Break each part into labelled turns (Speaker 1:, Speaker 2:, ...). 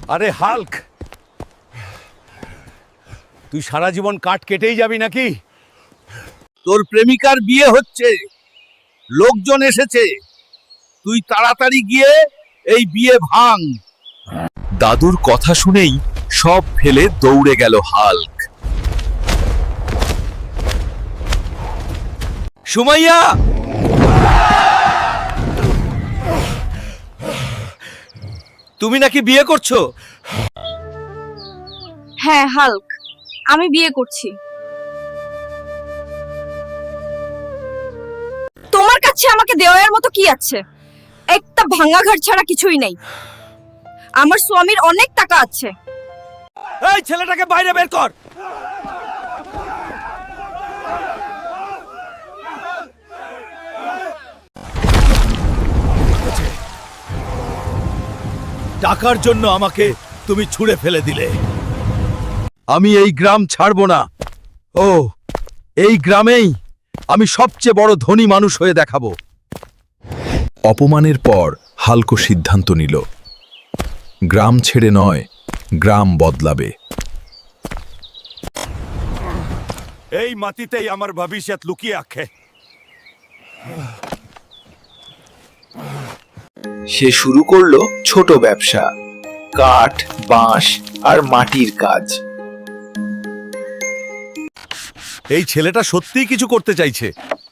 Speaker 1: আরে হাল্ক, তুই সারা জীবন কাঠ কেটেই যাবি নাকি? তোর প্রেমিকার বিয়ে হচ্ছে, লোকজন এসেছে, তুই তাড়াতাড়ি গিয়ে এই বিয়ে ভাঙ।
Speaker 2: দাদুর কথা শুনেই সব ফেলে দৌড়ে গেল হাল্ক।
Speaker 1: সুমাইয়া, তুমি নাকি বিয়ে করছো?
Speaker 3: হ্যাঁ হাল্ক, আমি বিয়ে করছি। তোমার কাছে আমাকে দেওয়ার মতো কি আছে? একটা ভাঙা ঘর ছাড়া কিছুই নেই। আমার স্বামীর অনেক টাকা আছে।
Speaker 1: এই ছেলেটাকে বাইরে বের কর। টাকার জন্য আমাকে তুমি ছুঁড়ে ফেলে দিলে। আমি এই গ্রাম ছাড়বো না। ও, এই গ্রামেই আমি সবচেয়ে বড় ধনী মানুষ হয়ে দেখাবো।
Speaker 2: অপমানের পর হাল্ক সিদ্ধান্ত নিল, গ্রাম ছেড়ে নয়, গ্রাম বদলাবে।
Speaker 1: এই মাটিতেই আমার ভবিষ্যৎ লুকিয়ে আছে।
Speaker 4: সে শুরু করলো ছোট ব্যবসা, কাঠ, বাঁশ আর মাটির কাজ।
Speaker 1: এই ছেলেটা সত্যিই কিছু করতে চাইছে।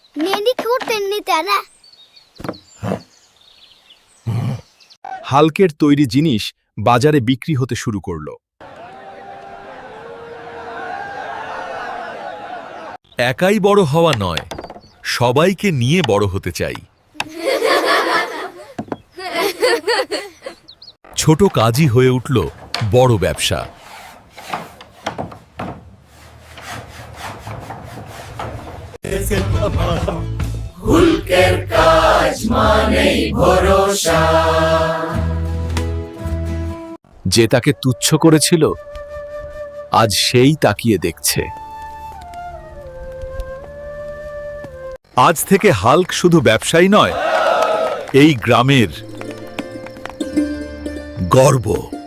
Speaker 2: হাল্কের তৈরি জিনিস বাজারে বিক্রি হতে শুরু করলো।
Speaker 1: একাই বড় হওয়া নয়, সবাইকে নিয়ে বড় হতে চাই। ছোট কাজই হয়ে উঠল বড় ব্যবসা।
Speaker 2: যে তাকে তুচ্ছ করেছিল, আজ সেই তাকিয়ে দেখছে।
Speaker 1: আজ থেকে হাল্ক শুধু ব্যবসায়ী নয়, এই গ্রামের গর্ব।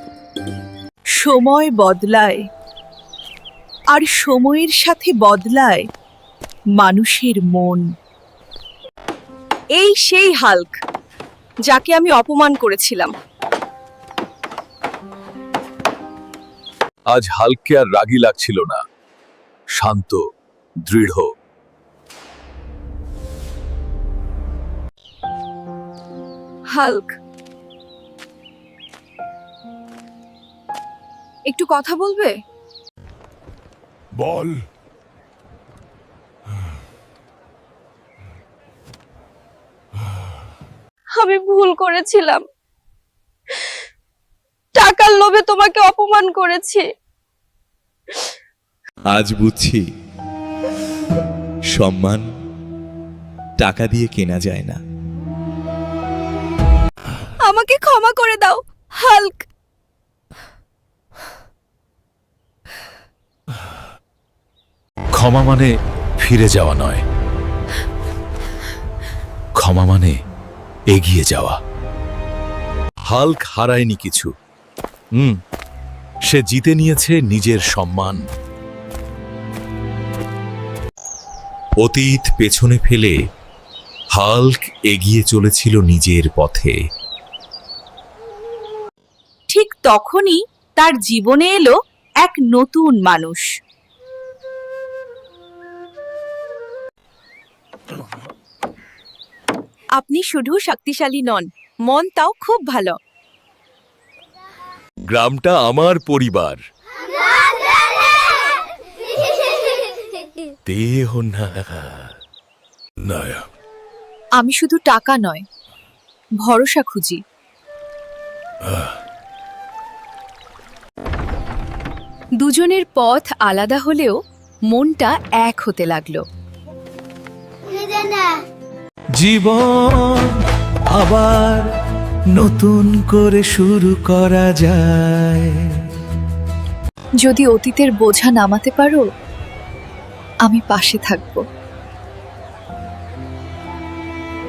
Speaker 5: সময় বদলায়, আর সময়ের সাথে বদলায় মানুষের মন।
Speaker 3: এই সেই হাল্ক যাকে আমি অপমান করেছিলাম।
Speaker 2: আজ হাল্ককে আর রাগী লাগছিল না, শান্ত, দৃঢ়।
Speaker 3: হাল্ক, একটু কথা বলবে?
Speaker 1: বল।
Speaker 3: আমি ভুল করেছিলাম, টাকার লোভে তোমাকে অপমান করেছি।
Speaker 6: আজ বুঝছি, সম্মান টাকা দিয়ে কেনা যায় না।
Speaker 3: আমাকে ক্ষমা করে দাও হাল্ক।
Speaker 1: ক্ষমা মানে ফিরে যাওয়া নয়, ক্ষমা মানে এগিয়ে যাওয়া। হাল্ক হারায়নি কিছু, সে জিতে নিয়েছে নিজের সম্মান। অতীত পেছনে ফেলে হাল্ক এগিয়ে চলেছিল নিজের পথে।
Speaker 5: ঠিক তখনই তার জীবনে এলো এক নতুন মানুষ। আপনি শুধু শক্তিশালী নন, মন তাও খুব ভালো।
Speaker 1: গ্রামটা আমার পরিবার। দেহ না,
Speaker 5: আমি শুধু টাকা নয়, ভরসা খুঁজি। দুজনের পথ আলাদা হলেও মনটা এক হতে লাগলো।
Speaker 6: জীবন আবার নতুন করে শুরু করা যায়।
Speaker 5: যদি অতীতের বোঝা নামাতে পারো, আমি পাশে থাকব।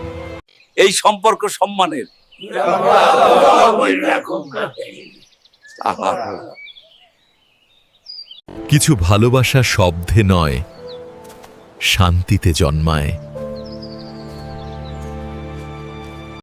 Speaker 1: এই সম্পর্ক সম্মানের।
Speaker 2: কিছু ভালোবাসা শব্দে নয়, শান্তিতে জন্মায়।